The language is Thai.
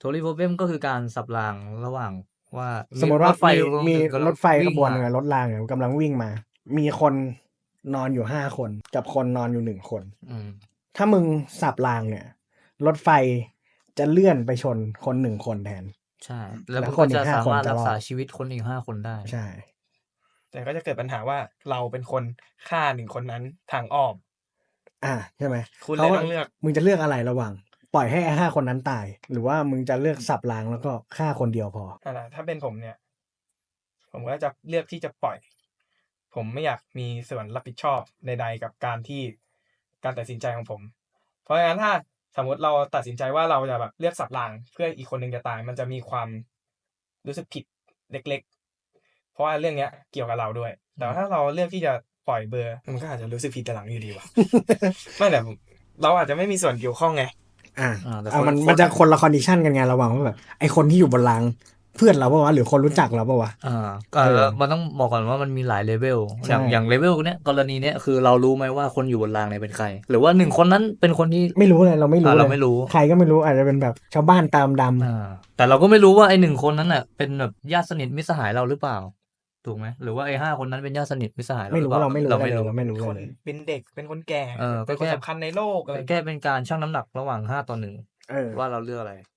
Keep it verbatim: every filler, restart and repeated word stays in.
Trolley problem ก็คือการสับรางระหว่างว่าสมมติว่ารถไฟมีกำลังมีกำลังรถไฟวิ่ขงบวนมาหนึ่งอะรถรางเนี่ยกำลังวิ่งมา มีคนนอนอยู่ ห้า คน กับคนนอนอยู่ หนึ่ง คนอืมถ้ามึงสับรางเนี่ย รถไฟจะเลื่อนไปชนคน หนึ่ง คนแทนใช่ แล้วแล้มึวงคก็นอีจะก ห้าสาคนมารถรักษจะรอดาชีวิตคนอีก ห้า คนได้ใช่แต่ก็จะเกิดปัญหาว่า เราเป็นคนฆ่า หนึ่ง คนนั้นทางอ้อมอา ใช่ไหมคุณเขเลยต้องเลือกมึงจะเลือกอะไรระหว่างปล่อยให้ไอ้ ห้า คนนั้นตาย หรือว่ามึงจะเลือกสับรางแล้วก็ฆ่าคนเดียวพอ? นั่นแหละ ถ้าเป็นผมเนี่ย ผมก็จะเลือกที่จะปล่อย ผมไม่อยากมีส่วนรับผิดชอบใด ๆ กับการที่ การตัดสินใจของผม เพราะงั้นถ้าสมมุติเราตัดสินใจว่า เราจะแบบเลือกสับรางเพื่ออีกคนหนึ่งจะตาย มันจะมีความรู้สึกผิดเล็ก ๆ เพราะว่าเรื่องเนี้ยเกี่ยวกับเราด้วย แต่ว่าถ้าเราเลือกที่จะปล่อยเบลอ มันก็อาจจะรู้สึกผิดทีหลังอยู่ดีว่ะ ไม่ แต่ เราอาจจะไม่มีส่วนเกี่ยวข้องไงอาอา แต่อาคนมันคมันจะคนละ condition กันไง ระหว่างว่าแบบไอ้คนที่อยู่บนราง เพื่อนเราเปล่าวะ หรือคนรู้จักเราเปล่าวะ? อา ก็เออมันต้องบอกก่อนว่ามันมีหลาย level ใชอย่าง อย่า่ง level เนี้ย กรณีเนี้ย คือเรารู้ไหมว่าคนอยู่บนรางเนี่ยเป็นใคร หรือว่า หนึ่ง คนนั้นเป็นคนที่ไม่รู้เลย เราไม่รูอ้าเเรลายไม่รู้ใครก็ไม่รู้ อาจจะเป็นแบบชาวบ้านตาดำอาๆแต่เราก็ไม่รู้ว่าไอ้ หนึ่ง คนนั้นน่ะ เป็นแบบญาติสนิทมิตรสหายเราหรือเปล่า ถูกไหม หรือว่าไอ้ ห้า คนนั้นเป็นญาติสนิทมิตรสหายเราไม่หรืรูอเปล่าเราไม่รู้เราอะไรไม่เลยรู้เราไม่รู้เป็นอะคไรนเลยเป็นเด็ก เป็นคนแก่เออเป็นคนก็แค่สำคัญในโลก อะไรแค่เป็นการชั่งน้ำหนักระหว่าง ห้า ต่อ หนึ่งเออว่าเราเลือกอะไร